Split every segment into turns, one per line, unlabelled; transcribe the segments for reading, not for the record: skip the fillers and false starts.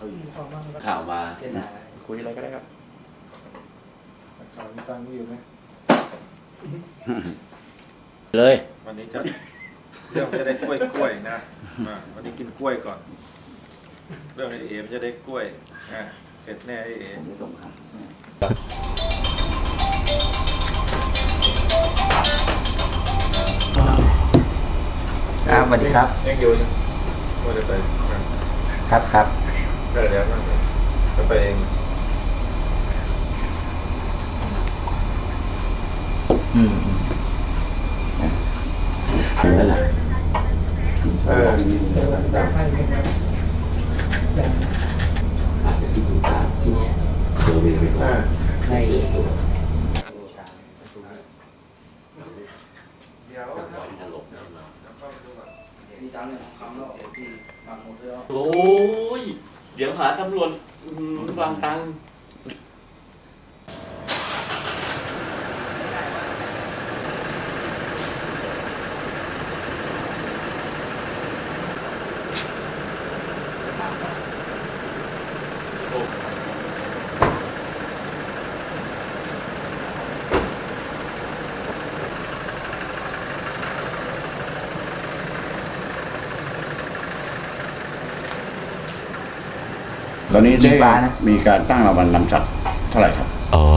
ข่าวมา
คุยอะไรก็ได้ครับ
ข่าวมีตังค์อยู่ไหม
เลย
วันนี้จะเรื่องจะได้กล้วยนะวันนี้กินกล้วยก่อนเรื่องไอเอมันจะได้กล้วยเสร็จแน่ไอเอ
ครับสวัสดีครับ
เอ็งอยู่ว่าจะไป
ครับ
ได้แล้วจะไปเอง
นั่นแหละ
ได้
อาจจะที่ปรึกษาที่นี้เซอร์เวย์ไปก่อนให้เกิดตัว
เดี๋ยว
จะปล่อยถล่มแน่นอน
มีสามหนึ่งคำแล้วที่บางหมดแล้ว
โอ้ยเดี๋ยวหาตำรวจวางตังค์
ตอนนี้ได้มีการตั้งรางวัลนำจับเท่าไหร่ครับ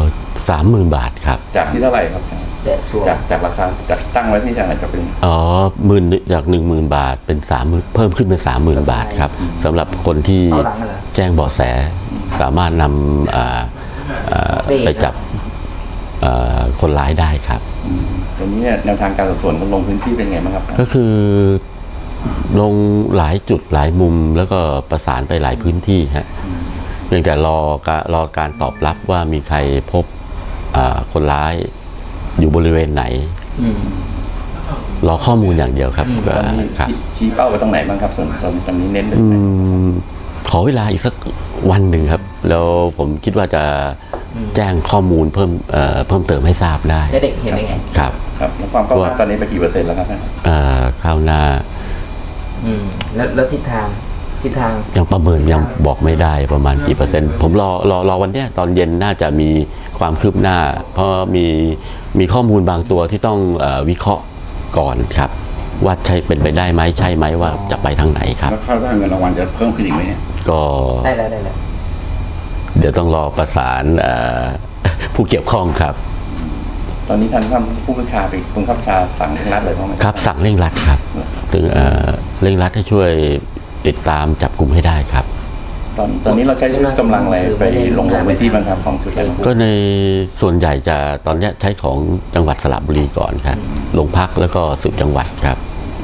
30,000 บาทครับ
จากที่เท่าไหร่ครับ
แต่ส่วน
จากราคาจากตั้งไว้ที่เท่าไหร่จะเป็น
จาก 10,000 บาทเป็น30,000เพิ่มขึ้นเป็น 30,000 บาทครับสำหรับคนที่แจ้งเบาะแสสามารถนำไปจับคนร้ายได้ครับ
ตอนนี้เนี่ยแนวทางการสืบสวนลงพื้นที่เป็นไงบ้างครับ
ก็คือลงหลายจุดหลายมุมแล้วก็ประสานไปหลายพื้นที่ฮะเพียงแต่รอการตอบรับว่ามีใครพบคนร้ายอยู่บริเวณไหนรอข้อมูลอย่างเดียวครับครับ
ชี้เป้าไปตรงไหนบ้างครับส่วนตรงนี้เน้นเลย
ขอเวลาอีกสักวันหนึ่งครับแล้วผมคิดว่าจะแจ้งข้อมูลเพิ่มเติมให้ทราบได้
แล้วเด็กเห็นได้ไง
ครับ
ครับแล้วความก้าวหน้าตอนนี้ไปกี่เปอร์เซ็นต์แล้วครับ
ข้าวหน้า
แล้วทิศทาง
ยังประเมินยังบอกไม่ได้ประมาณกี่เปอร์เซ็นต์ผมรอวันเนี้ยตอนเย็นน่าจะมีความคืบหน้า เพราะมีข้อมูลบางตัวที่ต้องวิเคราะห์ก่อนครับว่าใช่เป็นไปได้ไหมใช่ไหมว่าจะไปทางไหนครับ
แล้วคาดว่าเงินรางวัลจะเพิ่มขึ้นอีกไหมเนี่ย
ก็
ได้แล้ว
เดี๋ยวต้องรอประสานผู้เกี่ยวข้องครับ
ตอนนี้ท่านผู้บัญชาไปผู้บัญชาสั่งเร่งรัดเลยเพราะไหม
ครับสั่งเร่งรัดครับถึงเร่งรัดให้ช่วยติดตามจับกลุ่มให้ได้ครับ
ตอนนี้เราใช้ชุดกำลังอะไรไปลงพื้นที่บ้างครับของชุดอะไร
ก็ในส่วนใหญ่จะตอนนี้ใช้ของจังหวัดสระบุรีก่อนครับโรงพักแล้วก็สืบจังหวัดครับ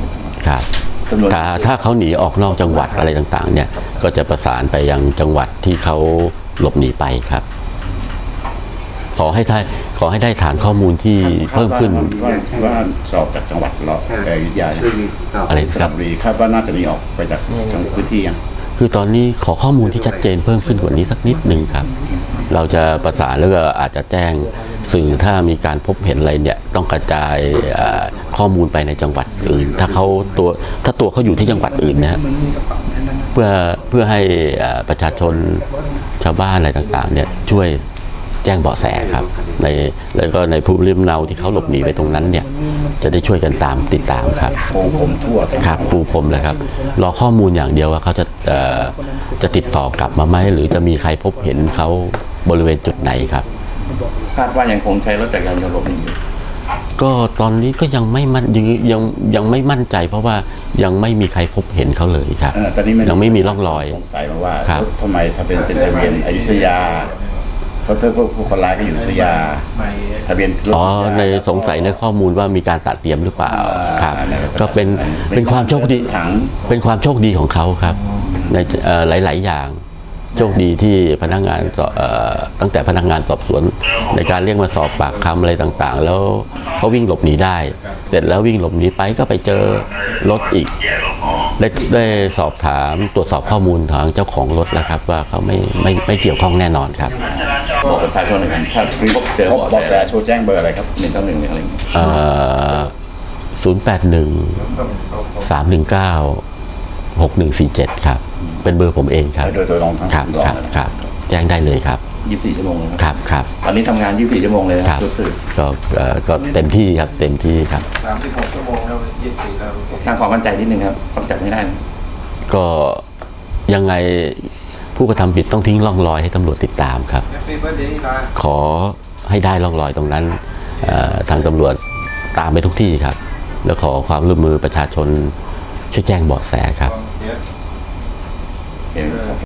ถ้าเขาหนีออกนอกจังหวัดอะไรต่างๆเนี่ยก็จะประสานไปยังจังหวัดที่เขาหลบหนีไปครับขอให้ได้ฐานข้อมูลที่เพิ่มขึ้น
ว่าสอบจากจังหวัดเราอยุธยา
อะไรครับ
คาดว่าน่าจะหนีออกไปจากจังหวัดพื้นที่ยัง
คือตอนนี้ขอข้อมูลที่ชัดเจนเพิ่มขึ้นกว่านี้สักนิดหนึ่งครับเราจะประสานแล้วก็อาจจะแจ้งสื่อถ้ามีการพบเห็นอะไรเนี่ยต้องกระจายข้อมูลไปในจังหวัดอื่นถ้าตัวเขาอยู่ที่จังหวัดอื่นนะเพื่อให้ประชาชนชาวบ้านอะไรต่างๆเนี่ยช่วยแจ้งเบาะแสครับแล้วก็ในภูมิลำเนาที่เขาหลบหนีไปตรงนั้นเนี่ยจะได้ช่วยกันติดตามครับ
ปูผมทั่ว
ครับปูผมเลยครับรอข้อมูลอย่างเดียวว่าเขาจะติดต่อกลับมาไหมหรือจะมีใครพบเห็นเขาบริเวณจุดไหนครับ
คาดว่ายังคงใช้รถจักรยานยนต์หลบหนีอยู่
ก็ตอนนี้ก็ยังไม่มั่นใจเพราะว่ายังไม่มีใครพบเห็นเขาเลยครับยังไม่มีร่องรอย
สงสัยมาว่าทำไมถ้าเป็นทะเบียนอยุธยาเพราะผู้คนร้ายก็อยู่อยุธยาทะเบียน
ในสงสัยในข้อมูลว่ามีการตัดเตรียมหรือเปล่าครับก็เป็นความโชคดีเป็นความโชคดีของเขาครับในหลายๆอย่างโชคดีที่พนักงานตั้งแต่พนักงานสอบสวนในการเรียกมาสอบปากคำอะไรต่างๆแล้วเขาวิ่งหลบหนีได้เสร็จแล้ววิ่งหลบหนีไปก็ไปเจอรถอีกได้สอบถามตรวจสอบข้อมูลทางเจ้าของรถแล้วครับว่าเขาไม่เกี่ยวข้องแน่นอนครับ
บอกประชาชนหน่อยครับถ้าเจอเบาะแสโทรแจ้งเบอร์อะไรครับ191อะไรอย่างเงี้ย
081 319 6147ครับเป็นเบอร์ผมเองครับ
โดยลองทั้ง
ครับ
ลอง
ครับ
เลย
ครับแจ้งได้เลยครับ
24 ชั่วโมงเลย
ครับครับ
ตอนนี้ทำงาน 24 ชั่วโมงเลยนะครับ รู้สึก
ก็เต็มที่ครับเต็มที่ครับ
36 ชั่วโมงแล้ว24แล้ว
สร้างความมั่นใจนิดนึงครับ ต้องจับให้ได้นะ
ก็ยังไงผู้กระทำผิดต้องทิ้งร่องรอยให้ตำรวจติดตามครับ
แฮปปี้เบิร์ดเดย์นะ
ขอให้ได้ร่องรอยตรงนั้นทางตำรวจตามไปทุกที่ครับ แล้วขอความร่วมมือประชาชนช่วยแจ้งเบาะแสครับ
เดี๋ยว
โอเค